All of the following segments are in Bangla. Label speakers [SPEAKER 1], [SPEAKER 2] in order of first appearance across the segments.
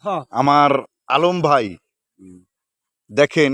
[SPEAKER 1] হ্যাঁ
[SPEAKER 2] আমার আলম ভাই
[SPEAKER 3] হুম।
[SPEAKER 2] দেখেন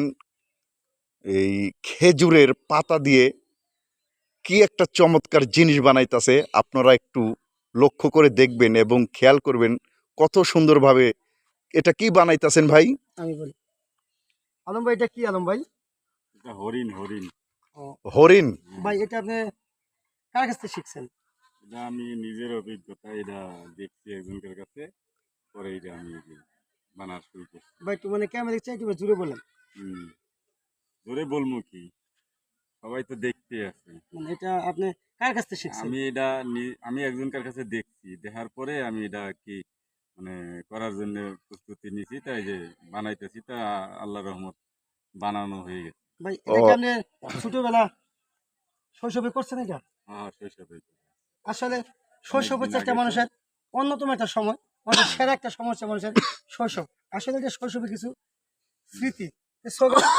[SPEAKER 2] এই খেজুরের পাতা দিয়ে কি একটা চমৎকার জিনিস বানাইতাছে। আপনারা একটু লক্ষ্য করে দেখবেন এবং খেয়াল করবেন কত সুন্দরভাবে এটা কি বানাইতাছেন ভাই।
[SPEAKER 1] আমি বলি আলম ভাই এটা কি আলম ভাই?
[SPEAKER 3] এটা হরিণ হরিণ।
[SPEAKER 1] ও,
[SPEAKER 2] হরিণ।
[SPEAKER 1] ভাই এটা আপনি কার কাছ থেকে শিখছেন?
[SPEAKER 3] এটা আমি নিজের অভিজ্ঞতা, এটা দেখছি একজনের কাছে, পরে এটা আমি এই যে বানার শুরু করছি।
[SPEAKER 1] ভাই একটু মানে ক্যামেরা দেখছি একটু জুড়ে বলেন।
[SPEAKER 3] হুম। ধরে বলবো কি, সবাই তো দেখতে আছে।
[SPEAKER 1] মানে এটা আপনি কার কাছ থেকে শিখছেন?
[SPEAKER 3] আমি একজনকার কাছে দেখছি, দেখার পরে আমি এটা কি মানে করার জন্য প্রস্তুতি নিছি, তাই যে বানাইতেছি, তা আল্লাহ রহমত বানানো হয়ে গেছে।
[SPEAKER 1] ভাই
[SPEAKER 2] ও
[SPEAKER 1] এটা কি আপনি ছোটবেলা শৈশবে করছেন এটা?
[SPEAKER 3] হ্যাঁ, শৈশবে।
[SPEAKER 1] আসলে শৈশব
[SPEAKER 3] অনেকদিন
[SPEAKER 1] হচ্ছে একটা
[SPEAKER 3] আগে তো।
[SPEAKER 1] মানুষের অন্যতম একটা সময়, মানুষের সেরা একটা সময় হচ্ছে মানুষের শৈশব। আসলে এটা শৈশবে কিছু স্মৃতি। তো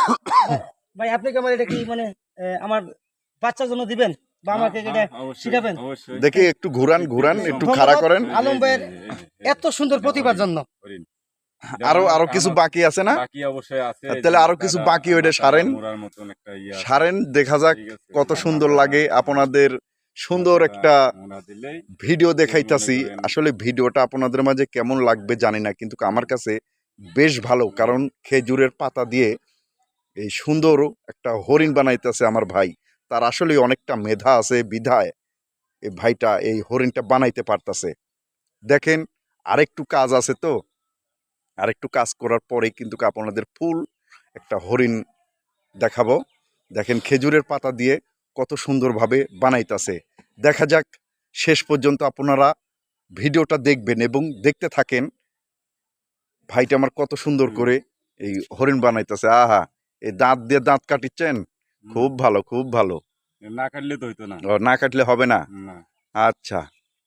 [SPEAKER 1] ভাই আপনি কি আমার এটা কি মানে আমার বাচ্চার জন্য দিবেন বা
[SPEAKER 3] হ্যাঁ,
[SPEAKER 1] আমাকে এটা
[SPEAKER 3] হ্যাঁ, অবশ্যই,
[SPEAKER 1] শিখাবেন?
[SPEAKER 3] অবশ্যই।
[SPEAKER 2] দেখি একটু ঘুরান ঘুরান একটু খাড়া
[SPEAKER 1] ধন্যবাদ
[SPEAKER 2] করেন।
[SPEAKER 1] আলম ভাইয়ের এত সুন্দর প্রতিভার জন্য।
[SPEAKER 3] হরিণ।
[SPEAKER 2] আরো
[SPEAKER 3] যেমন
[SPEAKER 2] আরো কিছু
[SPEAKER 3] আমার
[SPEAKER 2] বাকি আছে না?
[SPEAKER 3] বাকি অবশ্যই আছে, এই যে
[SPEAKER 2] তাহলে আরো কিছু বাকি ওইটা সারেন
[SPEAKER 3] মোড়ার মতন একটা ইয়ে আছে।
[SPEAKER 2] সারেন দেখা যাক
[SPEAKER 3] ঠিক আছে,
[SPEAKER 2] কত
[SPEAKER 3] ওই
[SPEAKER 2] সুন্দর
[SPEAKER 3] মাথাটা,
[SPEAKER 2] লাগে। আপনাদের সুন্দর
[SPEAKER 3] মাথাটা
[SPEAKER 2] একটা
[SPEAKER 3] মোড়া দিলেই
[SPEAKER 2] ভিডিও
[SPEAKER 3] মনে
[SPEAKER 2] দেখাইতাছি।
[SPEAKER 3] করেন।
[SPEAKER 2] আসলে ভিডিওটা আপনাদের মাঝে কেমন লাগবে জানি না, কিন্তু আমার কাছে বেশ ভালো, কারণ খেজুরের পাতা দিয়ে এই সুন্দর একটা হরিণ বানাইতেছে আমার ভাই। তার আসলে অনেকটা মেধা আছে বিধায় এই ভাইটা এই হরিণটা বানাইতে পারতাছে। দেখেন আরেকটু কাজ আছে, তো আরেকটু কাজ করার পরে কিন্তু আপনাদের ফুল একটা হরিণ দেখাবো। দেখেন খেজুরের পাতা দিয়ে কত সুন্দরভাবে বানাইতাছে। দেখা যাক শেষ পর্যন্ত আপনারা ভিডিওটা দেখবেন এবং দেখতে থাকেন ভাইটা আমার কত সুন্দর করে এই হরিণ বানাইতেছে। আহা, এই দাঁত দিয়ে দাঁত কাটিচ্ছেন, খুব ভালো খুব ভালো।
[SPEAKER 3] না কাটলে তো হইতো না।
[SPEAKER 2] ও, না কাটলে হবে না?
[SPEAKER 3] না।
[SPEAKER 2] আচ্ছা,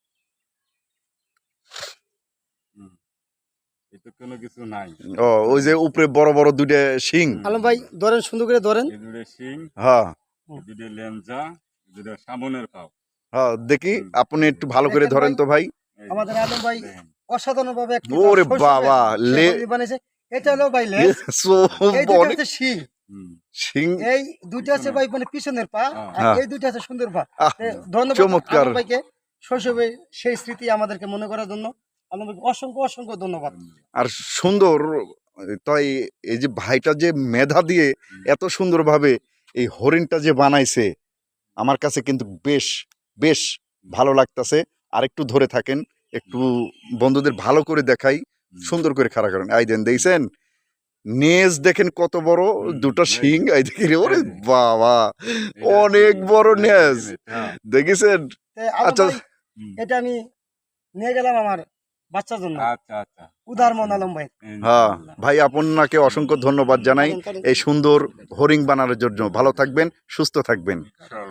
[SPEAKER 3] হুম। এই তো কোনো কিছু নাই।
[SPEAKER 2] ও ওই যে উপরে বড় বড় দুইটা শিং।
[SPEAKER 1] আলম ভাই ধরেন, সুন্দর করে ধরেন।
[SPEAKER 3] এই দুটো শিং,
[SPEAKER 2] হ্যাঁ
[SPEAKER 3] এই দুটো লেঞ্জা, এই দুটো সামনের পাও।
[SPEAKER 2] হ্যাঁ, দেখি
[SPEAKER 3] হুম।
[SPEAKER 2] আপনি একটু ভালো করে
[SPEAKER 1] দেখেন
[SPEAKER 2] ধরেন
[SPEAKER 1] ভাই,
[SPEAKER 2] তো ভাই।
[SPEAKER 3] এই যে
[SPEAKER 1] আমাদের আলম ভাই
[SPEAKER 3] দেখেন।
[SPEAKER 1] অসাধারণ ভাবে একটি
[SPEAKER 2] ওরে
[SPEAKER 1] শৈশবে
[SPEAKER 2] বাবা,
[SPEAKER 1] সে হরিণ বানিয়েছে। এটা হলো ভাই লেজ, এই দুটো
[SPEAKER 2] অনেক
[SPEAKER 1] হচ্ছে শিং,
[SPEAKER 3] হুম।
[SPEAKER 2] শিং।
[SPEAKER 1] এই দুইটা আছে ভাই মানে পিছনের পা, আর
[SPEAKER 2] হ্যাঁ।
[SPEAKER 1] এই দুইটা আছে সুন্দর পা।
[SPEAKER 2] আহ,
[SPEAKER 1] ধন্যবাদ
[SPEAKER 2] চমৎকার।
[SPEAKER 1] আলম ভাইকে শৈশবে সেই স্মৃতি আমাদেরকে মনে করার জন্য। আলম ভাইকে অসংখ্য অসংখ্য ধন্যবাদ।
[SPEAKER 2] আর সুন্দর, তাই এই যে ভাইটা যে মেধা দিয়ে এত সুন্দরভাবে এই হরিণটা যে বানাইছে, আমার কাছে কিন্তু বেশ বেশ ভালো লাগতাছে। আর একটু ধরে থাকেন, একটু বন্ধুদের ভালো করে দেখাই, সুন্দর করে খাড়া করেন। এই দেন দেখছেন নেজ, দেখেন কত বড় দুটো শিং। এই দেখি ওরে বাবা, অনেক বড় নেজ দেখেছেন।
[SPEAKER 1] আলম
[SPEAKER 2] আচ্ছা,
[SPEAKER 1] ভাই এটা আমি নিয়ে গেলাম আমার বাচ্চার জন্য।
[SPEAKER 3] আচ্ছা আচ্ছা,
[SPEAKER 1] উদার মন আলম ভাই।
[SPEAKER 2] হ্যাঁ ভাই, আপনাকে অসংখ্য ধন্যবাদ জানাই এই সুন্দর হরিণ বানানোর জন্য। ভালো থাকবেন, সুস্থ থাকবেন।